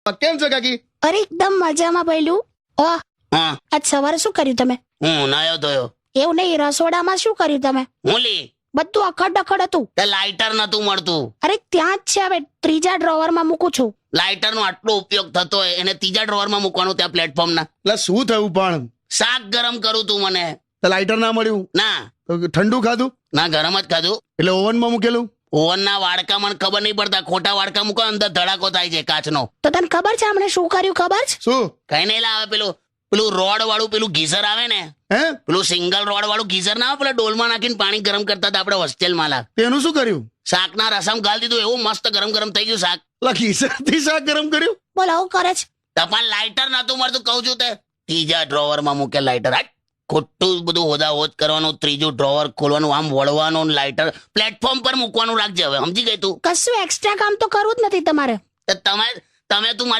કેમ છો કાકી? અરે એકદમ મજામાં ભઈલું. ઓહ, હા આજ સવારે શું કર્યું તમે? હું નાયો ધોયો. એવું નહીં, રસોડામાં શું કર્યું તમે? હું લી બધું અખડ ડખડ હતું. તે લાઇટર નતું મળતું. અરે ત્યાં જ છે, હવે ત્રીજા ડ્રોવરમાં મૂકું છું. લાઇટર નો આટલો ઉપયોગ થતો હોય એને ત્રીજા ડ્રોવરમાં મૂકવાનું ત્યાં પ્લેટફોર્મ ના. એટલે શું થયું પણ? શાક ગરમ કરું તું મને. લાઇટર ના મળ્યું ના તો ઠંડુ ખાધું ના ગરમ જ ખાધું. એટલે ઓવનમાં મૂકેલું. ઓવનના વાડકા મને ખબર નહીં પડતા. ખોટા વાડકા મૂકો અંદર ધડાકો થાય છે કાચનો. તો તને ખબર છે હમણાં શું કર્યું ખબર છે? શું? કઈ નહીં લાવે પેલું રોડ વાળું પેલું ગીઝર આવે ને, હે? પેલું સિંગલ રોડ વાળું ગીઝર ના આવે, પેલા ડોલમાં નાખીને પાણી ગરમ કરતા હતા આપણે હોસ્ટેલમાં લા. તેનું શું કર્યું? શાકના રસમ ગાળી દીધું, એવું મસ્ત ગરમ ગરમ થઈ ગયું શાક. ગીસરથી શાક ગરમ કર્યું? બોલ, આવું કરે છે? તપાલ લાઇટર નતું મળતું કહું છું તે. ત્રીજા ડ્રોવરમાં મૂકે લાઇટર. હાટ ખોટું બધું હોદા હોદ કરવાનું. ત્રીજું ડ્રોવર ખોલવાનું, આમ વળવાનું, લાઇટર પ્લેટફોર્મ પર મૂકવાનું રાખજે હવે, સમજી ગઈ તું? કશું એક્સ્ટ્રા કામ તો કરવું જ નથી તમારે. તો તમે તું